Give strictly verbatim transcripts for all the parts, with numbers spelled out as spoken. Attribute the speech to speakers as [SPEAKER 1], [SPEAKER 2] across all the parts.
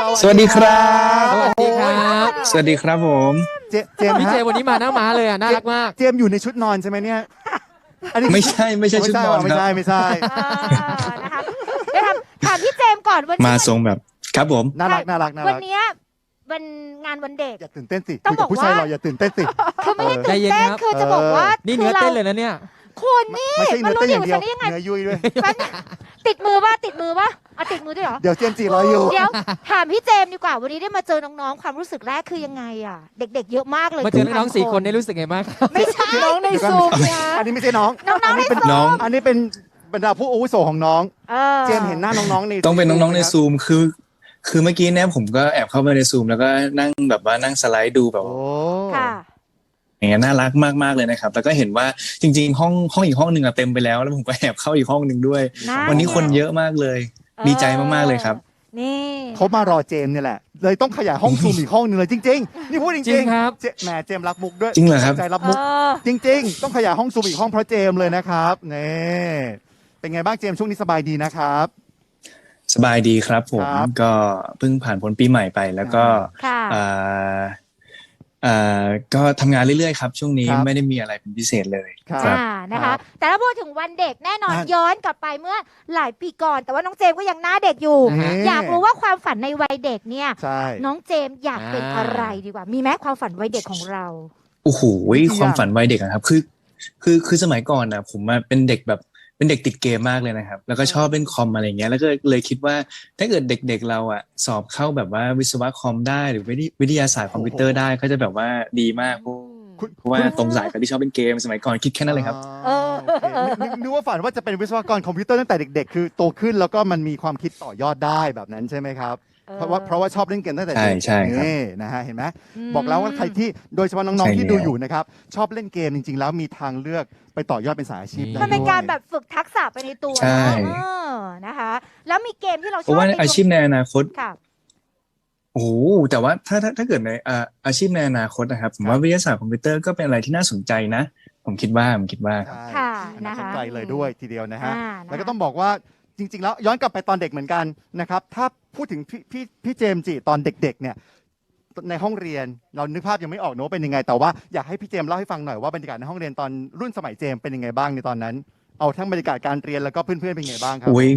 [SPEAKER 1] สวัสดีครับ
[SPEAKER 2] สวัสดีครับ
[SPEAKER 1] สวัสดีครับผม
[SPEAKER 3] เจเจมส์
[SPEAKER 2] พี่เจ
[SPEAKER 3] ฮะ
[SPEAKER 2] วันนี้มาหน้าม้าเลยอ่ะน่ารักมาก
[SPEAKER 3] เจมส์อยู่ในชุดนอนใช่ไหมเนี่ยอันนี้
[SPEAKER 1] ไม่ใช่ไม่ใช่ชุดนอน
[SPEAKER 3] ไม่
[SPEAKER 1] ครับ
[SPEAKER 3] ใช่ไม่ใช่
[SPEAKER 4] เออนะคะเดี๋ยวถามถามพี่เจมส์ก่อนวัน
[SPEAKER 1] มา
[SPEAKER 4] นี้
[SPEAKER 1] ทรงแบบครับผม
[SPEAKER 3] น่ารักน่ารักน่า
[SPEAKER 4] วั
[SPEAKER 3] รั
[SPEAKER 4] น
[SPEAKER 3] ก
[SPEAKER 4] เนี้ยวันงานวันเด็ก
[SPEAKER 3] อย่าตื่นเต้นสิ
[SPEAKER 4] ต้อง
[SPEAKER 3] คุยกับผู้ชาย
[SPEAKER 4] บอกว่า
[SPEAKER 3] เราอย่าตื่นเต้นสิ
[SPEAKER 4] คือไม่ได้
[SPEAKER 2] ใจ
[SPEAKER 4] ตื่น
[SPEAKER 2] เย็น
[SPEAKER 4] เต้น
[SPEAKER 2] ครับ
[SPEAKER 4] คือจะบอกว่า
[SPEAKER 2] นี่
[SPEAKER 4] คื
[SPEAKER 2] เนื้อ
[SPEAKER 4] เรา
[SPEAKER 2] เต้นเลยนะเนี่ย
[SPEAKER 4] คุณนี่
[SPEAKER 3] ไม่ใช่
[SPEAKER 4] มั
[SPEAKER 3] เนื้อ
[SPEAKER 4] รู้
[SPEAKER 3] เต้น
[SPEAKER 4] อ
[SPEAKER 3] อย่า
[SPEAKER 4] ยู่
[SPEAKER 3] งเดียว
[SPEAKER 4] ฉันได้ยังไง
[SPEAKER 3] เนื้อยุ่ยด้วย
[SPEAKER 4] แป๊บนึงติดมือป่ะติดมือป่ะเอาติดมือด้วยเหรอ
[SPEAKER 3] เดี๋ยวเจมส์จีรออยู่
[SPEAKER 4] เดี๋ยวถามพี่เจมส์ดีกว่าวันนี้ได้มาเจอน้องๆความรู้สึกแรกคือยังไงอ่ะ เด็กๆเยอะมากเลย
[SPEAKER 2] มาเจอน้องๆสี่คนได้รู้สึกไงบ้างครับ
[SPEAKER 4] ไม่ใช่น้องใน
[SPEAKER 3] เดี๋ยวก่อน
[SPEAKER 4] ซูมนะ
[SPEAKER 3] อันนี้ไม่ใช่น้อง
[SPEAKER 4] น้องๆ
[SPEAKER 3] อันี้เป็น
[SPEAKER 4] ในซูม
[SPEAKER 1] น้อง
[SPEAKER 3] อันนี้เป็นบรรดาผู้อาวุโสของน้อง
[SPEAKER 4] เออ
[SPEAKER 3] เจมส์เห็นหน้าน้องๆใน
[SPEAKER 1] ต้องเป็นน้องๆใน
[SPEAKER 3] ครับ
[SPEAKER 1] ซูมคือ คือเมื่อกี้เนี่ยผมก็แอบเข้าไปในซูมแล้วก็นั่งแบบว่านั่งสไลด์ดูแบบ
[SPEAKER 3] โอ้
[SPEAKER 4] ค่ะ
[SPEAKER 1] อย่างเงี้ยน่ารักมากๆเลยนะครับแล้วก็เห็นว่าจริงๆห้องห้องอีกห้องหนึ่งอะเต็มไปแล้วแล้วผมก็แอบเข้าอีกห้องหนึ่งด้วย วันนี้คนเยอะมากเลย ดีใจมากๆเลยครับ
[SPEAKER 4] นี่
[SPEAKER 3] เขามารอเจมส์เนี่ยแหละ เลยต้องขยายห้องซูมอีกห้องหนึ่งเลยจริงๆ นี่พูดจ
[SPEAKER 2] จริ
[SPEAKER 3] ริง
[SPEAKER 2] งครับ
[SPEAKER 3] ๆเจแหมเจมส์รักมุกด้วย
[SPEAKER 1] จริงเหรอครับ
[SPEAKER 3] ใจรับ
[SPEAKER 4] เอ
[SPEAKER 3] มุก
[SPEAKER 4] อ
[SPEAKER 3] จริงๆ ต้องขยายห้องซูมอีกห้องเพราะเจมส์เลยนะครับนี่เป็นไงบ้างเจมส์ช่วงนี้สบายดีนะครับ
[SPEAKER 1] สบายดีครับผม
[SPEAKER 3] ครับ
[SPEAKER 1] ก็เพิ่งผ่านพ้นปีใหม่ไปแล้วก็
[SPEAKER 4] ค่ะ
[SPEAKER 1] อ่าอ่าก็ทำงานเรื่อยๆครับช่วงนี้
[SPEAKER 3] ครับ
[SPEAKER 1] ไม่ได้มีอะไรเป็นพิเศษเลย
[SPEAKER 3] ครับ
[SPEAKER 1] ครับ
[SPEAKER 4] อ่านะ
[SPEAKER 3] ครั
[SPEAKER 4] คะ
[SPEAKER 3] บ
[SPEAKER 4] แต่ถ้าพูดถึงวันเด็กแน่นอน
[SPEAKER 3] อ่ะ
[SPEAKER 4] ย้อนกลับไปเมื่อหลายปีก่อน แต่ว่าน้องเจมส์ก็ยังหน้าเด็กอยู่
[SPEAKER 2] นะฮะ
[SPEAKER 4] อยากรู้ว่าความฝันในวัยเด็กเนี่ย
[SPEAKER 3] ใช่
[SPEAKER 4] น้องเจมส์อยากเป็น
[SPEAKER 2] อ่า
[SPEAKER 4] อะไรดีกว่า มีไหมความฝันวัยเด็กของเรา
[SPEAKER 1] โอ้โห
[SPEAKER 3] มีกี่
[SPEAKER 1] ความ
[SPEAKER 3] อย่าง
[SPEAKER 1] ฝันวัยเด็กอะครับ คือ คือ คือสมัยก่อนนะผมอะเป็นเด็กแบบ เป็นเด็กติดเกมมากเลยนะครับ แล้วก็ชอบเล่นคอมอะไรเงี้ย แล้วก็เลยคิดว่า ถ้าเกิดเด็กๆเราอะสอบเข้าแบบว่าวิศวะคอมได้หรือวิทยวิทยาศาสตร์คอมพิวเตอร์ได้ก็จะแบบว่าดีมาก
[SPEAKER 3] คุณ
[SPEAKER 1] เพราะว่าตรงสายกับที่ชอบเล่นเกมสมัยก่อนคิดแค่นั้นเลยครับ
[SPEAKER 4] เออ
[SPEAKER 3] โอเคนึกนึกว่าฝันว่าจะเป็นวิศวกรคอมพิวเตอร์ตั้งแต่เด็กๆ คือโตขึ้นแล้วก็มันมีความคิดต่อยอดได้แบบนั้นใช่ไหมครับ เพราะว่าเพราะว่าชอบเล่นเกมตั้งแต่เด็ก
[SPEAKER 1] ใช่ใช่ครับ
[SPEAKER 3] นี่นะฮะเห็นไหม
[SPEAKER 4] ม
[SPEAKER 3] บอกแล้วว่าใครที่โดยเฉพาะน้อง
[SPEAKER 1] ใช่
[SPEAKER 3] ๆที่ดู
[SPEAKER 1] แล้ว
[SPEAKER 3] อยู่นะครับชอบเล่นเกมจริง ๆ แล้วมีทางเลือกไปต่อยอดเป็นสายอาชีพได้
[SPEAKER 4] มันเป็น
[SPEAKER 3] ด้วย
[SPEAKER 4] การแบบฝึกทักษะไปในตัว
[SPEAKER 1] ใช่
[SPEAKER 4] นะเออนะคะ แล้วมีเกมที่เราช
[SPEAKER 1] เพ
[SPEAKER 4] อบ
[SPEAKER 1] ราะว่า
[SPEAKER 4] ใน
[SPEAKER 1] อาชีพในอนาคต
[SPEAKER 4] ค่ะ
[SPEAKER 1] โอ้โหแต่ว่าถ้าถ้าถ้าเกิดในอ่าอาชีพในอนาคตนะครับผมว่าวิทยาศาสตร์คอมพิวเตอร์ก็เป็นอะไรที่น่าสนใจนะ ผมคิดว่าผมคิดว่า
[SPEAKER 3] ใช่
[SPEAKER 4] ค่ะ
[SPEAKER 3] น่า
[SPEAKER 4] นะ
[SPEAKER 3] สน
[SPEAKER 4] คะ
[SPEAKER 3] ใจเลยด้วยทีเดียวนะฮะ
[SPEAKER 4] อ่านะคะ
[SPEAKER 3] แล้วก็ต้องบอกว่าจริง ๆ แล้วย้อนกลับไปตอนเด็กเหมือนกันนะครับถ้าพูดถึงพี่พี่พี่เจมส์จิตอนเด็กๆเนี่ยในห้องเรียนเรานึกภาพยังไม่ออกเนอะว่าเป็นยังไงแต่ว่าอยากให้พี่เจมส์เล่าให้ฟังหน่อยว่าบรรยากาศในห้องเรียนตอนรุ่นสมัยเจมส์เป็นยังไงบ้างในตอนนั้น เอาทั้งบรรยากาศการเรียนแล้วก็เพื่อนๆเป็นยังไงบ้างครั
[SPEAKER 1] อุ้ย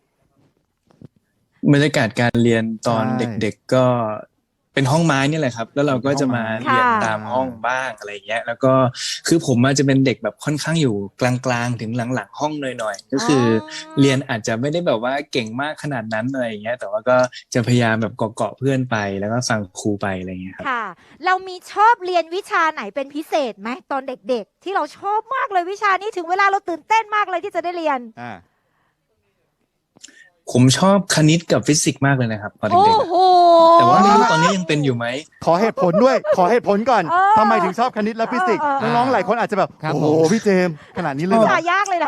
[SPEAKER 1] บรรยากาศการเรียนตอน
[SPEAKER 3] ใช่
[SPEAKER 1] เด็กๆก็เป็นห้องไม้นี่แหละครับ แล้วเราก็จะมา
[SPEAKER 3] เป็นห้องไม้
[SPEAKER 1] เรียน
[SPEAKER 4] ค่ะ
[SPEAKER 1] ตามห้องบ้างอะไรเงี้ย แล้วก็คือผมอาจจะเป็นเด็กแบบค่อนข้างอยู่กลางๆถึงหลังๆห้องหน่อยๆก็คืออเรียนอาจจะไม่ได้แบบว่าเก่งมากขนาดนั้นอะไรอย่างเงี้ย แต่ว่าก็จะพยายามแบบเกาะๆเพื่อนไปแล้วก็ฟังครูไปอะไรเงี้ยครับ
[SPEAKER 4] ค่ะ เรามีชอบเรียนวิชาไหนเป็นพิเศษไหมตอนเด็กๆ ที่เราชอบมากเลยวิชานี้ถึงเวลาเราตื่นเต้นมากเลยที่จะได้เรียน
[SPEAKER 3] อ่า
[SPEAKER 1] ผมชอบคณิตกับฟิสิกส์มากเลยนะครับตอน
[SPEAKER 4] โอ้
[SPEAKER 1] เด็กๆอะ
[SPEAKER 4] โห
[SPEAKER 1] แต่ว่าไม่รู้ตอนนี้ยังเป็นอยู่ไหม
[SPEAKER 3] ขอเหตุผลด้วย ขอเหตุผลก่อน
[SPEAKER 4] เออ
[SPEAKER 3] ทำไมถึงชอบคณิตและฟิสิกส์
[SPEAKER 4] เออเออ
[SPEAKER 3] น้องๆหลายคนอาจจะแบบ
[SPEAKER 2] ครับ
[SPEAKER 3] โอ้โห
[SPEAKER 2] ผม
[SPEAKER 3] พี่เจมส์ขนาดนี้เลย
[SPEAKER 4] วิ
[SPEAKER 3] เหรอ
[SPEAKER 4] ชายากเลยนะ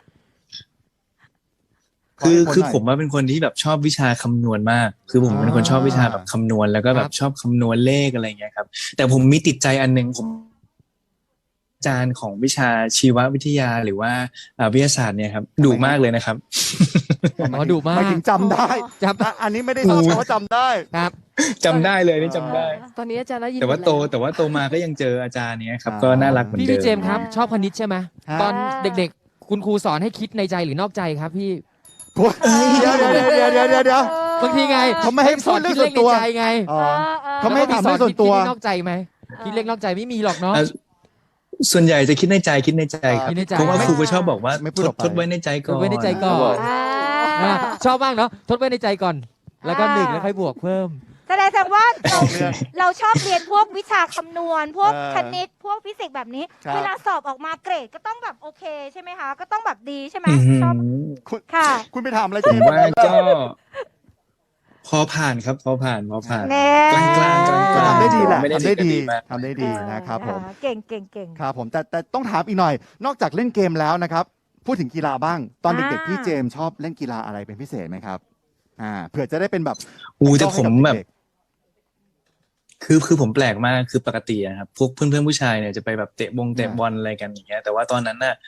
[SPEAKER 1] คือ
[SPEAKER 3] ขอเหตุผลหน่อย
[SPEAKER 1] คือผมว่าเป็นคนที่แบบชอบวิชาคำนวณมาก คือผมเป็นคนชอบวิชาแบบคำนวณแล้วก็แบบชอบคำนวณเลขอะไรอย่างเงี้ยครับ แต่ผมมีติดใจอันหนึงผมอาจารย์ของวิชาชีววิทยาหรือว่าอ่าวิทยาศาสตร์เนี่ยครับดุมากเลยนะครับ
[SPEAKER 2] หมอดุมาก
[SPEAKER 3] หมายถึงจำได้
[SPEAKER 2] จับ
[SPEAKER 3] อ่ะอันนี้ไม่ได้ชอบแต่ว่าจำได้
[SPEAKER 2] ครับ
[SPEAKER 1] จำได้เลยนี่จำได้
[SPEAKER 5] ตอนนี้อาจารย์ได้ยิน
[SPEAKER 1] แต่ว่า
[SPEAKER 5] หมด
[SPEAKER 1] โต
[SPEAKER 5] ล้
[SPEAKER 1] แต่ว่าโตมาก็ยังเจออาจารย์เนี้ยครับ
[SPEAKER 3] อ่า
[SPEAKER 1] ก็น่ารักเหมือน
[SPEAKER 2] พี่
[SPEAKER 1] เดิ
[SPEAKER 2] พี่เจม
[SPEAKER 1] ม
[SPEAKER 2] ส์ครับ ชอบคณิตใช่ไหม
[SPEAKER 3] ฮะ
[SPEAKER 2] ตอนเด็กๆ คุณครูสอนให้คิดในใจหรือนอกใจครับพี่
[SPEAKER 3] โอ้ยเดี๋ยวเดี๋ยวเดี๋ยวเดี๋ยวเดี๋ยวเดี๋ยว
[SPEAKER 2] บางทีไง
[SPEAKER 3] เขาไม่ให้
[SPEAKER 2] สอน
[SPEAKER 3] พูดเรื่
[SPEAKER 2] คิ
[SPEAKER 3] อ
[SPEAKER 2] ด
[SPEAKER 3] ง
[SPEAKER 2] เล
[SPEAKER 3] ส่วนตัว
[SPEAKER 2] ขในใจไง
[SPEAKER 3] อ๋อ
[SPEAKER 4] เออ
[SPEAKER 3] เขาไม่ให้ถามเรื่องส่วนตัว
[SPEAKER 2] แล้ก็มีสอนคิดคิดเลขนอกใจไหมคิดเลขนอกใจไม่มีหรอกเนาะ
[SPEAKER 1] อ่ะส่วนใหญ่จะคิดในใจคิดในใจครับ
[SPEAKER 2] คิดในใจ
[SPEAKER 1] เพราะว่าครูก็ชอบบอกว่า
[SPEAKER 3] ไม่พูด
[SPEAKER 1] ท
[SPEAKER 3] อ
[SPEAKER 1] ด
[SPEAKER 3] อกไป
[SPEAKER 1] ทดไว้ในใจก่อน
[SPEAKER 2] ทดไว้ในใจก่อน
[SPEAKER 4] อ่า
[SPEAKER 2] อ่ะชอบมากเนาะทดไว้ในใจก่อน แล้วก็หนึ่งแล้วค่อยบวกเพิ่ม
[SPEAKER 4] แสดงแสดงว่าเรา
[SPEAKER 3] เรื่อง
[SPEAKER 4] เราชอบเรียนพวกวิชาคำนวณ พวก
[SPEAKER 3] เออ
[SPEAKER 4] คณิต พวกฟิสิกส์แบบนี้
[SPEAKER 3] ครับ
[SPEAKER 4] เวลาสอบออกมาเกรดก็ต้องแบบโอเคใช่ไหมคะ ก็ต้องแบบดีใช่ไหม
[SPEAKER 1] อื้อหือ
[SPEAKER 4] ชอบ
[SPEAKER 3] คุณ
[SPEAKER 4] ค่ะ
[SPEAKER 3] คุณไปถามอะไร
[SPEAKER 1] ผ
[SPEAKER 3] เจ
[SPEAKER 1] ม
[SPEAKER 3] มส์
[SPEAKER 1] ว่าก็ พอผ่านครับพอผ่านพอผ่าน
[SPEAKER 4] แน่
[SPEAKER 1] กลางกลางกลางก
[SPEAKER 3] ก็
[SPEAKER 1] ลาง
[SPEAKER 3] ทำได้ดีแหละ
[SPEAKER 1] ไม่ได้
[SPEAKER 3] ทำได้ดี
[SPEAKER 1] ดีมาก
[SPEAKER 3] ทำได้ดีนะครับผม
[SPEAKER 4] เออเก่งเก่งเก่ง
[SPEAKER 3] ครับผมแต่แต่ต้องถามอีกหน่อย นอกจากเล่นเกมแล้วนะครับ พูดถึงกีฬาบ้าง ตอนเด็ก
[SPEAKER 4] อ่า
[SPEAKER 3] ๆพี่เจมส์ชอบเล่นกีฬาอะไรเป็นพิเศษไหมครับอ่าเผื่อจะได้เป็นแบบ
[SPEAKER 1] อู้แต่ผมแบบ
[SPEAKER 3] เด็ก
[SPEAKER 1] คือคือผมแปลกมากคือปกติอะครับพวกเพื่อนเพื่อนๆผู้ชายเนี่ยจะไปแบบเตะบงเตะบอลอะไรกันอย่างเงี้ยแต่ว่าตอนนั้นน่ะ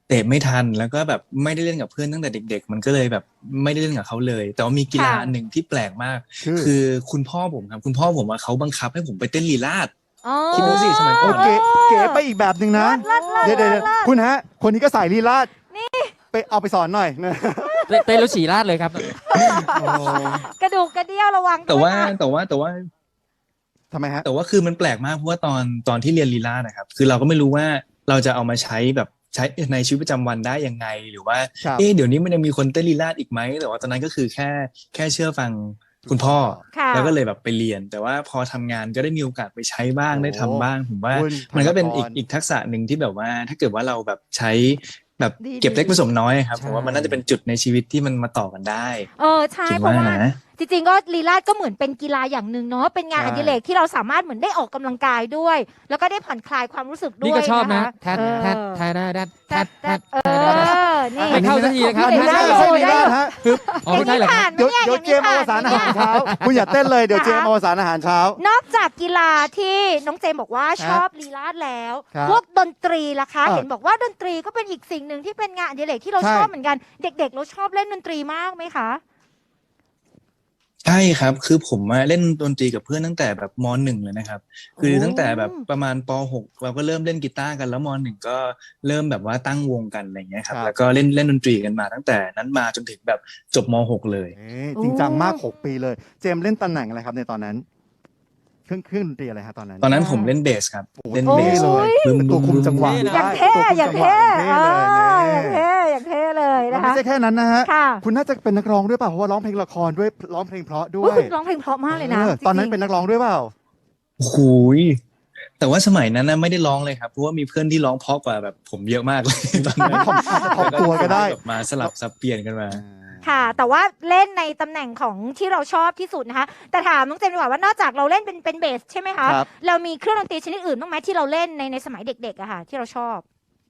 [SPEAKER 1] เตะไม่ทันแล้วก็แบบไม่ได้เล่นกับเพื่อนตั้งแต่เด็ก ๆ มันก็เลยแบบไม่ได้เล่นกับเขาเลย แต่ว่ามีกีฬา
[SPEAKER 4] ค่ะ
[SPEAKER 1] อันหนึ่งที่แปลกมาก
[SPEAKER 3] คือ
[SPEAKER 1] คือคุณพ่อผมครับคุณพ่อผมอะเขาบังคับให้ผมไปเต้นลีลาศ
[SPEAKER 4] อ๋อ
[SPEAKER 1] คิดดูสิสมัยก่
[SPEAKER 3] โอ
[SPEAKER 1] อน
[SPEAKER 3] เคเก๋ไปอีกแบบหนึ่งนะ
[SPEAKER 4] เลิศเลิศ
[SPEAKER 3] เดี๋ยวเดี๋ยว
[SPEAKER 4] เลิศเลิศ
[SPEAKER 3] คุณฮะ คนนี้ก็สายลีลาดไปเอาไปสอนหน่อยนะ
[SPEAKER 2] เต้นเต้นแล้วฉี่ราดเลยครับ
[SPEAKER 3] โอ้
[SPEAKER 4] กระดูกกระเดี่ยวระวัง
[SPEAKER 1] แต่ว่า
[SPEAKER 4] ด้วยนะ
[SPEAKER 1] แต่ว่าแต่ว่า
[SPEAKER 3] ทำไมฮะ
[SPEAKER 1] แต่ว่าคือมันแปลกมากเพราะว่าตอนตอนที่เรียนลีลาศนะครับ คือเราก็ไม่รู้ว่าเราจะเอามาใช้แบบใช้ในชีวิตประจำวันได้ยังไง หรือว่า
[SPEAKER 3] ครับ
[SPEAKER 1] เอ๊ะเดี๋ยวนี้มันยังมีคนเต้นลีลาศอีกไหมแต่ว่าตอนนั้นก็คือแค่แค่เชื่อฟังคุณพ่อ
[SPEAKER 4] ค่ะ
[SPEAKER 1] แล้วก็เลยแบบไปเรียน แต่ว่าพอทำงานก็ได้มีโอกาสไปใช้บ้าง
[SPEAKER 3] โอ้
[SPEAKER 1] ได้ทำบ้าง ผมว่า
[SPEAKER 3] คุณ
[SPEAKER 1] มันก็เป็นอีก
[SPEAKER 3] ธนกร
[SPEAKER 1] อีกทักษะหนึ่งที่แบบว่า ถ้าเกิดว่าเราแบบใช้แบบ
[SPEAKER 4] ดี
[SPEAKER 1] เก็บเล็กผสมน้อยครับ
[SPEAKER 2] ใช่
[SPEAKER 1] ผมว่ามันน่าจะเป็นจุดในชีวิตที่มันมาต่อกันได้
[SPEAKER 4] เออใช่
[SPEAKER 1] คิด
[SPEAKER 4] เพราะ
[SPEAKER 1] ว่า
[SPEAKER 4] ว่า
[SPEAKER 1] นะ
[SPEAKER 4] จริงๆก็ลีลาศก็เหมือนเป็นกีฬาอย่างหนึ่งเนาะเป็นงาน
[SPEAKER 3] ใช่
[SPEAKER 4] อดิเรกที่เราสามารถเหมือนได้ออกกำลังกายด้วย แล้วก็ได้ผ่อนคลายความรู้สึกด้วย
[SPEAKER 2] นี่ก็ชอบนะ
[SPEAKER 4] ค
[SPEAKER 2] แทดแทดแทดแทดแท
[SPEAKER 4] แต่
[SPEAKER 2] ดแท
[SPEAKER 4] แต่
[SPEAKER 2] ด
[SPEAKER 4] เอ
[SPEAKER 2] แทดแทด
[SPEAKER 4] อนี่
[SPEAKER 2] ไม่เข้าสักทีนะครับ
[SPEAKER 4] ไม่
[SPEAKER 3] ไม่
[SPEAKER 4] ได้
[SPEAKER 3] ใช่
[SPEAKER 4] อยู่
[SPEAKER 3] ไม่ใช่ลีลาดฮะ
[SPEAKER 2] อ๋อไม่ใช่เหรอครับ
[SPEAKER 3] เดี๋ยวเดี๋ยวเจมส์อวสานอาหารเช้า คุณอย่าเต้นเลยเดี๋ยวเจมส์อวสานอาหารเช้า
[SPEAKER 4] นอกจากกีฬาที่น้องเจมบอกว่าชอบลีลาศแล้ว
[SPEAKER 3] ครับ
[SPEAKER 4] พวกดนตรีล่ะคะ
[SPEAKER 3] เออ
[SPEAKER 4] เห็นบอกว่าดนตรีก็เป็นอีกสิ่งหนึ่งที่เป็นงานอดิเรกที่เรา
[SPEAKER 3] ใช่
[SPEAKER 4] ชอบเหมือนกัน เด็กๆ เราชอบเล่นดนตรีมากไหมคะ
[SPEAKER 1] ใช่ครับ คือผมอะเล่นดนตรีกับเพื่อนตั้งแต่แบบมหนึ่งเลยนะครับ คือ
[SPEAKER 4] โอ้
[SPEAKER 1] ตั้งแต่แบบประมาณปหกเราก็เริ่มเล่นกีตาร์กันแล้วมหนึ่งก็เริ่มแบบว่าตั้งวงกันอะไรอย่างเงี้ยครับ
[SPEAKER 3] ครับ
[SPEAKER 1] แล้วก็เล่นเล่นดนตรีกันมาตั้งแต่นั้นมาจนถึงแบบจบมหกเลย
[SPEAKER 3] เอ๊ะจริงจังมาก หก ปีเลย เจมส์เล่นตำแหน่งอะไรครับในตอนนั้น เครื่องเครื่องดนตรีอะไรฮะตอนนั้น
[SPEAKER 1] ตอนนั้นผมเล่นเบสครับ
[SPEAKER 3] โอ้โห
[SPEAKER 1] เล่น
[SPEAKER 4] โอ้
[SPEAKER 1] เบ
[SPEAKER 4] ย
[SPEAKER 1] ส
[SPEAKER 3] เลย
[SPEAKER 1] บึ้ม
[SPEAKER 3] ตัวคุมจังหวะ
[SPEAKER 2] นี่นะ
[SPEAKER 4] อย่างเท่
[SPEAKER 3] ตัวคุม
[SPEAKER 4] อย่าง
[SPEAKER 3] จังหวะ
[SPEAKER 4] เท่
[SPEAKER 3] เท่
[SPEAKER 4] เอ
[SPEAKER 3] เลย
[SPEAKER 4] อ
[SPEAKER 3] นี่
[SPEAKER 4] อย่างเท่อย่างเท่เลย
[SPEAKER 3] แล้ว
[SPEAKER 4] นะ
[SPEAKER 3] ไม่
[SPEAKER 4] คะ
[SPEAKER 3] ใช่แค่นั้นนะฮะ
[SPEAKER 4] ค่ะ
[SPEAKER 3] คุณน่าจะเป็นนักร้องด้วยเปล่าเพราะว่าร้องเพลงละครด้วยร้องเพลงเพราะด้
[SPEAKER 4] อุ๊
[SPEAKER 3] วย ย
[SPEAKER 4] คุณร้องเพลงเพราะมากเลยนะ
[SPEAKER 3] ออตอนนั้น
[SPEAKER 4] จริงๆ
[SPEAKER 3] เป็นนักร้องด้วยเปล่า
[SPEAKER 1] โอ้โหยแต่ว่าสมัยนั้นนะไม่ได้ร้องเลยครับเพราะว่ามีเพื่อนที่ร้องเพราะกว่าแบบผมเยอะมากเลย ตอนนั้น
[SPEAKER 3] ถ่อมอาจจะถ่อมตัวก็ได้
[SPEAKER 1] แบบมาสลับสับเปลี่ยนกันมา
[SPEAKER 4] ค่ะ แต่ว่าเล่นในตำแหน่งของที่เราชอบที่สุดนะคะ แต่ถามน้องเจมส์ดีกว่าว่านอกจากเราเล่นเป็นเป็นเบสใช่ไหมคะ
[SPEAKER 3] ครับ
[SPEAKER 4] เรามีเครื่องดนตรีชนิดอื่นบ้างไหมที่เราเล่นในในสมัยเด็กๆอะค่ะ ที่เราชอบ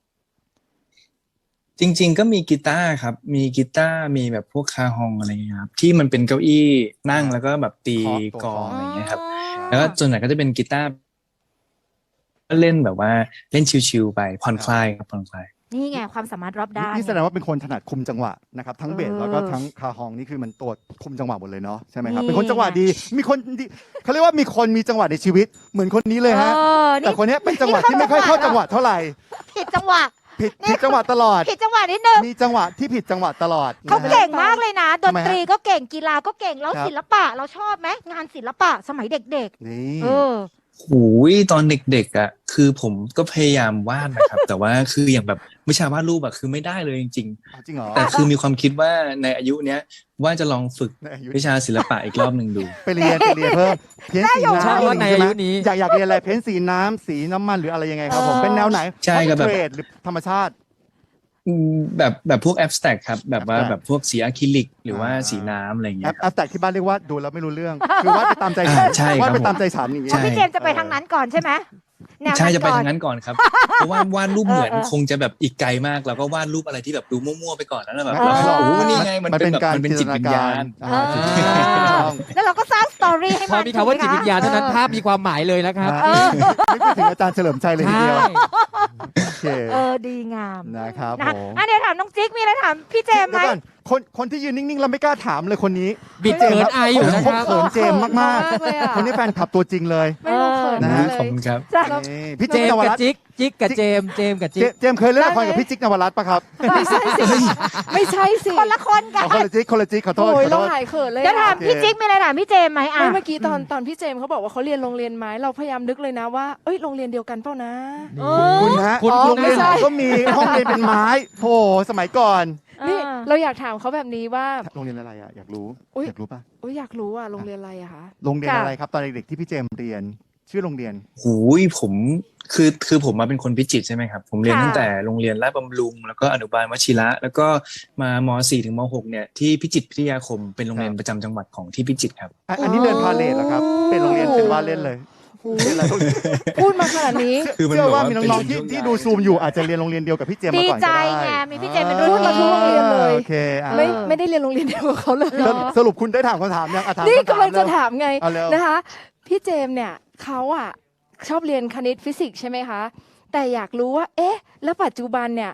[SPEAKER 1] จริง ๆ ก็มีกีตาร์ครับ มีกีตาร์มีแบบพวกคาฮองอะไรอย่างเงี้ยครับที่มันเป็นเก้าอี้นั่งแล้วก็แบบตี
[SPEAKER 3] เคาะตัว
[SPEAKER 1] กลอง
[SPEAKER 3] เคาะ
[SPEAKER 1] อะไรอย่างเงี้ยครับ
[SPEAKER 4] อ๋อ
[SPEAKER 1] แล้วก็ส่วนใหญ่ก็จะเป็นกีตาร์ก็เล่นแบบว่าเล่นชิวๆไปผ่อนคลายครับผ่อนคลาย
[SPEAKER 4] นี่ไงความสามารถรอบด้าน
[SPEAKER 3] นี่แสดงว่าเป็นคนถนัดคุมจังหวะนะครับทั้งเบส
[SPEAKER 4] เออ
[SPEAKER 3] แล้วก็ทั้งคาฮองนี่คือมันตัวคุมจังหวะหมดเลยเนาะใช่ไหมครับ
[SPEAKER 4] นี่
[SPEAKER 3] เป็นคนจังหวะดีมีคนดีเขาเรียกว่ามีคนมีจังหวะในชีวิตเหมือนคนนี้เลยฮะ
[SPEAKER 4] เออ
[SPEAKER 3] แต่
[SPEAKER 4] นี่
[SPEAKER 3] คนเนี้ยเป็นจังหวะที่ไม่ค่อยเข้าจังหวะเท่าไหร่
[SPEAKER 4] ผิดจังหวะ
[SPEAKER 3] ผิดผิดจังหวะตลอด
[SPEAKER 4] ผิดจังหวะนิดนึง
[SPEAKER 3] มีจังหวะที่ผิดจังหวะตลอด
[SPEAKER 4] เขา
[SPEAKER 3] นะฮะ
[SPEAKER 4] เก่งมากเลยนะ ด
[SPEAKER 3] ทำ
[SPEAKER 4] น
[SPEAKER 3] ไมฮะ
[SPEAKER 4] ตรีก็เก่งกีฬาก็เก่งแล้ว
[SPEAKER 3] ครับ
[SPEAKER 4] ศิลปะเราชอบไหมงานศิลปะสมัยเด็ก
[SPEAKER 3] นี่
[SPEAKER 4] ๆ เออ
[SPEAKER 1] หูยตอนเด็กๆอ่ะคือผมก็พยายามวาดนะครับ แต่ว่าคืออย่างแบบวิชาวาดรูปอะคือไม่ได้เลยจริง
[SPEAKER 3] เอาจริงเหรอ
[SPEAKER 1] ๆ แต่คือมีความคิดว่าในอายุเนี้ยว่าจะลองฝึก
[SPEAKER 3] ในอายุ
[SPEAKER 1] วิชาศิลปะอีกรอบหนึ่งดู
[SPEAKER 3] ไปเรียนไปเรียนเพิ่มเพ้นสี
[SPEAKER 2] ชอบ
[SPEAKER 3] น้ำ
[SPEAKER 2] ว่าใน
[SPEAKER 3] ใช่
[SPEAKER 2] อา
[SPEAKER 3] ไหม
[SPEAKER 2] ยุนี้
[SPEAKER 3] อยากอยากเรียนอะไรเพ้นสีน้ำสีน้ำมันหรืออะไรยังไงครับผม
[SPEAKER 4] เออ
[SPEAKER 3] เป็นแนวไหน
[SPEAKER 1] ใช่ครับแบบ
[SPEAKER 3] เทรดหรือธรรมชาติ
[SPEAKER 1] อืมแบบแบบพวกแอบสแต็กครับแบบว่า
[SPEAKER 3] abstract
[SPEAKER 1] แบบพวกสีอะคริลิก หรือว่า
[SPEAKER 3] อ่า
[SPEAKER 1] สีน้ำอะไรอย่าง
[SPEAKER 3] แอ
[SPEAKER 1] เงี้
[SPEAKER 3] ป
[SPEAKER 1] ย
[SPEAKER 3] แอปแตกที่บ้านเรียกว่าดูแล้วไม่รู้เรื่อง คือวาดไปตามใจฉัน
[SPEAKER 1] อ่าใช่ครับ
[SPEAKER 3] วาดไป
[SPEAKER 1] ผม
[SPEAKER 3] ตามใจฉันอย่างเงี้
[SPEAKER 4] เพราะ
[SPEAKER 3] ย
[SPEAKER 4] พี่เจมส์จะไปทางนั้นก่อนใช่ไหมแนว
[SPEAKER 1] ใช่
[SPEAKER 4] นั้น
[SPEAKER 1] จะไป
[SPEAKER 4] ก่อน
[SPEAKER 1] ทางนั้นก่อนครับ เพราะว่าวาดรูปเหมือน
[SPEAKER 4] เออเออ
[SPEAKER 1] คงจะแบบอีกไกลมากเราก็วาดรูปอะไรที่แบบดูมั่วๆไปก่อนแล้วแบบ
[SPEAKER 3] ไม่
[SPEAKER 1] เรา
[SPEAKER 3] ไม่หรอก
[SPEAKER 1] ก็โอ้นี่ไงมันเป็นแบบ
[SPEAKER 3] การ
[SPEAKER 1] มันเป็นจิตวิญญาณ
[SPEAKER 3] อ่าจิตวิญญาณ
[SPEAKER 4] เออ
[SPEAKER 3] ถูกต้อง
[SPEAKER 4] แล้วเราก็สร้างสตอรี่ให้
[SPEAKER 2] พอ
[SPEAKER 4] มัน
[SPEAKER 2] มีคำว่าจิตวิญญาณเท่านั้น
[SPEAKER 4] ถูกไหมคะ
[SPEAKER 2] ภาพมีความหมายเลยนะครับ
[SPEAKER 3] นะนึกไปถึงอาจารย์เฉลิมชัยเลยที
[SPEAKER 2] ใช่
[SPEAKER 3] เดียวโอเค
[SPEAKER 4] เออดีงาม
[SPEAKER 3] นะครับ
[SPEAKER 4] นะคะ
[SPEAKER 3] ผม
[SPEAKER 4] อ่ะเดี๋ยวถามน้องจิ๊กมีอะไรถามพี่เจมส์ไหม
[SPEAKER 3] เดี๋ยวก่อนคนคนที่ยืนนิ่งๆเราไม่กล้าถามเลยคนนี้
[SPEAKER 2] บิดเขินอายอยู่นะ
[SPEAKER 3] เขา
[SPEAKER 2] ครับ
[SPEAKER 3] เขินเจมส์มาก
[SPEAKER 5] เลย
[SPEAKER 3] ๆ คนนี้แฟนคลับตัวจริงเลย
[SPEAKER 5] ไม่รู้เขิน
[SPEAKER 3] นะ
[SPEAKER 5] มา
[SPEAKER 3] ฮะ
[SPEAKER 5] กเล
[SPEAKER 1] ขอบ
[SPEAKER 5] ย
[SPEAKER 1] คุณครับ
[SPEAKER 3] นี่พี่
[SPEAKER 2] เจ
[SPEAKER 3] จิ๊ก
[SPEAKER 2] ม
[SPEAKER 3] น
[SPEAKER 2] ส์
[SPEAKER 3] ว
[SPEAKER 2] กับ
[SPEAKER 3] รัตน์
[SPEAKER 2] จิ๊กจิ๊กกับเจมส์เจมส์กับ
[SPEAKER 3] เจ
[SPEAKER 2] จิ๊ก
[SPEAKER 3] เจมส์เคยเล่นละครกับพี่จิ๊กนวรัตน์ปะครับ
[SPEAKER 5] ไม่ใช่สิ ไม่ใช่สิ
[SPEAKER 4] คนละคนกัน
[SPEAKER 3] เอาคนละจิ๊กคนละจิ๊กขอโทษ
[SPEAKER 5] โอ้ย
[SPEAKER 3] ขอ
[SPEAKER 5] เรา
[SPEAKER 3] โทษ
[SPEAKER 5] หายเขินเลย
[SPEAKER 4] เดี๋ยวถาม
[SPEAKER 3] โอเค
[SPEAKER 4] พี่จิ๊กมีอะไรถามพี่เจมส์ไหมอ่ะ
[SPEAKER 5] ไม่เมื่อกี้ตอนตอนพี่เจมส์เขาบอกว่าเขาเรียนโรงเรียนไม้เราพยายามนึกเลยนะว่าเอ้ยโรงเรียนเดียวกันเปล่านะ
[SPEAKER 4] เอ
[SPEAKER 3] คุณ
[SPEAKER 4] อ
[SPEAKER 3] ฮะ
[SPEAKER 2] คุณ
[SPEAKER 3] โรงเรียน
[SPEAKER 5] ไม่ใช่
[SPEAKER 3] ก็มีห้องเรียนเป็นไม้โหสมัยก่อน
[SPEAKER 5] นี่
[SPEAKER 4] อ่า
[SPEAKER 5] เราอยากถามเขาแบบนี้ว่า
[SPEAKER 3] โรงเรียนอะไรอ่ะอยากรู้
[SPEAKER 5] อุ๊ย
[SPEAKER 3] อยากรู้ป่ะ
[SPEAKER 5] โอ้ยอยากรู้อ่ะโรงเรียนอะไรอะคะ
[SPEAKER 3] โรงเรียน
[SPEAKER 4] ค่ะ
[SPEAKER 3] อะไรครับตอนเด็กๆที่พี่เจมส์เรียน ชื่อโรงเรียน
[SPEAKER 1] หูยผมคือคือผมมาเป็นคนพิจิตรใช่ไหมครับ ผมเรียน
[SPEAKER 4] ค่ะ
[SPEAKER 1] ตั้งแต่โรงเรียนราชบำรุง แล้วก็อนุบาลวชิระ แล้วก็มามสี่ถึงมหกเนี่ยที่พิจิตรพิทยาคมเป็นโรงเรียนประจำจังหวัดของที่พิจิตรครับ
[SPEAKER 3] อ่ะอันนี้เดินพาเลทเหรอครับ เป็นโรงเรียนเป็นว่าเล่นเลย
[SPEAKER 5] โอ้โหพูดมาขนาดนี้
[SPEAKER 1] คือมัน
[SPEAKER 3] เชื่อว่า
[SPEAKER 1] แบบว่า
[SPEAKER 3] มีน้องๆ
[SPEAKER 1] เป็น
[SPEAKER 3] ที่
[SPEAKER 1] ช่วง
[SPEAKER 3] ที่
[SPEAKER 1] ย้าย
[SPEAKER 3] ดูซูมอยู่อาจจะเรียนโรงเรียนเดียวกับพี่เจมส์
[SPEAKER 4] ดี
[SPEAKER 3] มาก่อน
[SPEAKER 4] ใจ
[SPEAKER 3] ก็ได้
[SPEAKER 4] ไงมีพี่เจมส์เป็นรุ่น
[SPEAKER 5] พูดมาทุกโรงเรียนเลย
[SPEAKER 3] โอเคอ่ะ
[SPEAKER 5] ไม่ไม่ได้เรียนโรงเรียนเดียวกับเขาเลย
[SPEAKER 3] สรุปสรุปคุณได้ถามคำถามยังอ่ะถาม
[SPEAKER 5] นี่
[SPEAKER 3] คำถาม
[SPEAKER 5] กำลังจะ
[SPEAKER 3] เร็ว
[SPEAKER 5] ถามไง
[SPEAKER 3] เอาเร็ว
[SPEAKER 5] นะคะ พี่เจมส์เนี่ยเขาอ่ะชอบเรียนคณิตฟิสิกส์ใช่ไหมคะ แต่อยากรู้ว่า เอ๊ะ แล้วปัจจุบันเนี่ย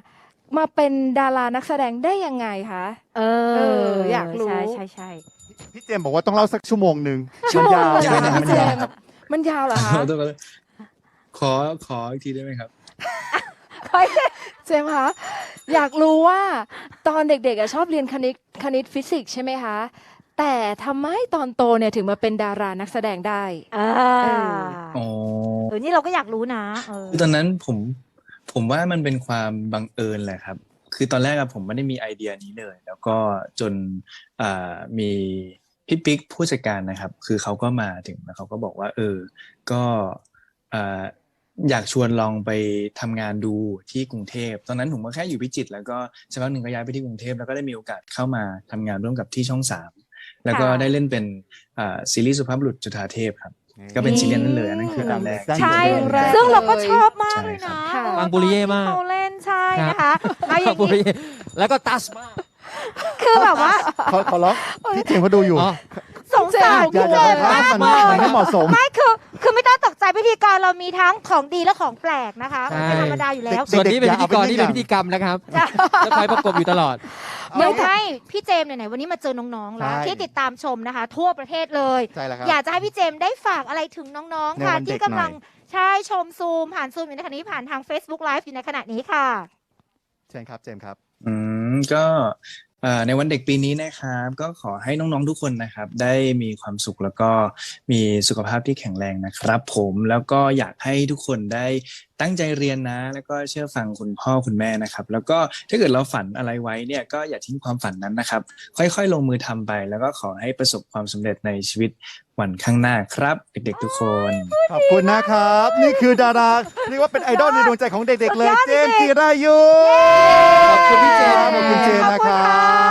[SPEAKER 5] มาเป็นดารานักแสดงได้ยังไงคะ
[SPEAKER 4] เอ
[SPEAKER 5] เอ
[SPEAKER 4] อ
[SPEAKER 5] ออยากรู้
[SPEAKER 4] ใช่ใช่ใช่
[SPEAKER 3] พี่เจมส์บอกว่าต้องเล่าสักชั่วโมงหนึ่ง
[SPEAKER 5] ชั่วโมง
[SPEAKER 3] ยาว
[SPEAKER 5] เลยเหรอ
[SPEAKER 1] ใช่
[SPEAKER 5] คะ
[SPEAKER 1] ไหม
[SPEAKER 5] พี่เจ
[SPEAKER 1] มันยาว
[SPEAKER 5] มส์มันยาวเหรอคะ
[SPEAKER 1] ขอโทษครับขอขออีกทีได้ไหมครับ
[SPEAKER 5] เจมส์คะอยากรู้ว่าตอนเด็กๆอะชอบเรียนคณิตคณิตฟิสิกส์ใช่ไหมคะ แต่ทำไมตอนโตเนี่ยถึงมาเป็นดารานักแสดงได้
[SPEAKER 4] อ่า
[SPEAKER 5] เอ
[SPEAKER 1] อ๋อ
[SPEAKER 4] เออนี่เราก็อยากรู้นะเออ
[SPEAKER 1] คือตอนนั้นผมผมว่ามันเป็นความบังเอิญแหละครับ คือตอนแรกอะผมไม่ได้มีไอเดียนี้เลย แล้วก็จนอ่ามีพี่ปิ๊กผู้จัดการนะครับ คือเขาก็มาถึงแล้วเขาก็บอกว่า เออ ก็อ่าอยากชวนลองไปทำงานดูที่กรุงเทพตอนนั้นผมก็แค่อยู่พิจิตรแล้วก็สักพักหนึ่งก็ย้ายไปที่กรุงเทพแล้วก็ได้มีโอกาสเข้ามาทำงานร่วมกับที่ช่องสามแล้วก็
[SPEAKER 4] ค่ะ
[SPEAKER 1] ได้เล่นเป็นอ่าซีรีส์สุภาพบุรุษจุฑาเทพครับ ก็เป็นซีรีส์นั้นเลยอันนั้นคืออันแรก
[SPEAKER 4] ใช่
[SPEAKER 5] เรื่องแรก
[SPEAKER 4] ซึ่งเราก็ชอบมาก
[SPEAKER 1] ใช่
[SPEAKER 4] เลย
[SPEAKER 1] ครั
[SPEAKER 4] นะ
[SPEAKER 1] บ
[SPEAKER 5] ค่ะ
[SPEAKER 4] เออ
[SPEAKER 2] ฟังบุริเย่มาก
[SPEAKER 4] ตอนที่เขาเล่นใช่นะคะเอาอย่าง
[SPEAKER 2] บุรี
[SPEAKER 4] นี้
[SPEAKER 2] แล้วก็ตัสมาก
[SPEAKER 4] คือแบบว่า
[SPEAKER 3] ขอขอร้องพี่เจมส์เขาดูอยู่
[SPEAKER 2] อ๋อ
[SPEAKER 4] สงสาร
[SPEAKER 3] อย่า
[SPEAKER 4] พี่
[SPEAKER 3] อ
[SPEAKER 4] เจ
[SPEAKER 3] ย่าม
[SPEAKER 4] ส์
[SPEAKER 3] ทำ
[SPEAKER 4] มาก
[SPEAKER 3] มัน
[SPEAKER 4] เล
[SPEAKER 3] มันไม่
[SPEAKER 4] ย
[SPEAKER 3] เหมาะสม
[SPEAKER 4] ไม่คือคือไม่ต้องตกใจพิธีกรเรามีทั้งของดีและของแปลกนะคะ
[SPEAKER 2] ใช่
[SPEAKER 4] ไม่ธรรมดาอยู่แล้ว
[SPEAKER 2] ส่วนนี้เป็นพิธีกร
[SPEAKER 3] เด็กๆ
[SPEAKER 2] นี่
[SPEAKER 3] อย่า
[SPEAKER 2] เป็น
[SPEAKER 3] เอาไป
[SPEAKER 2] พิธีกรรมนะครับจะคอยประกบอยู่ตลอด
[SPEAKER 4] เดี๋ยวให้พี่เจมส์ไหนๆวันนี้มาเจอน้องๆแล้ว
[SPEAKER 3] ใช่
[SPEAKER 4] ที่ติดตามชมนะคะ ทั่วประเทศเลย
[SPEAKER 3] ใช่แล้วครับ
[SPEAKER 4] อยากจะให้พี่เจมส์ได้ฝากอะไรถึงน้องๆ
[SPEAKER 3] ใน
[SPEAKER 4] ค่ะ
[SPEAKER 3] วันเด็
[SPEAKER 4] ที่
[SPEAKER 3] ก
[SPEAKER 4] กำลัง
[SPEAKER 3] หน่อย
[SPEAKER 4] ใช่ชมซูมผ่านซูมอยู่ในขณะนี้ผ่านทาง Facebook Live อยู่ในขณะนี้ค่ะ
[SPEAKER 3] เชิญครับเจมส์ครับ
[SPEAKER 1] อืมก็เอ่อในวันเด็กปีนี้นะครับ ก็ขอให้น้องๆทุกคนนะครับ ได้มีความสุขแล้วก็มีสุขภาพที่แข็งแรงนะครับ ผมแล้วก็อยากให้ทุกคนได้ตั้งใจเรียนนะ แล้วก็เชื่อฟังคุณพ่อคุณแม่นะครับ แล้วก็ถ้าเกิดเราฝันอะไรไว้เนี่ยก็อย่าทิ้งความฝันนั้นนะครับ ค่อยๆลงมือทำไป แล้วก็ขอให้ประสบความสำเร็จในชีวิตวันข้างหน้าครับ เด็กๆทุกคน
[SPEAKER 3] ขอบคุณนะครับ นี่คือดาราเรียกว่าเป็นไอดอลในดวงใจของเด็กๆเลย
[SPEAKER 4] สุดยอด
[SPEAKER 3] เจมส์
[SPEAKER 4] จริ
[SPEAKER 3] จิ
[SPEAKER 4] งๆ
[SPEAKER 3] รายุ
[SPEAKER 2] ขอบคุณพี่เจมส์
[SPEAKER 3] ขอบคุณเจมส์นะครับ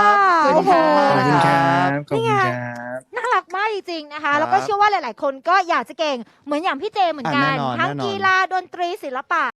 [SPEAKER 4] ขอบคุณ
[SPEAKER 3] ขอบคุณค
[SPEAKER 1] ข
[SPEAKER 3] รั
[SPEAKER 1] อบ บคุณครับ ขอบคุณครับ
[SPEAKER 4] น่ารักมากจริงๆนะคะ
[SPEAKER 3] ครับ
[SPEAKER 4] แล้วก็เชื่อว่าหลายๆ คนก็อยากจะเก่งเหมือนอย่างพี่เจมส์เหมือนกัน
[SPEAKER 3] อ่ะแน่นอน
[SPEAKER 4] ทั้ง
[SPEAKER 3] แน่นอน
[SPEAKER 4] กีฬาดนตรีศิลปะ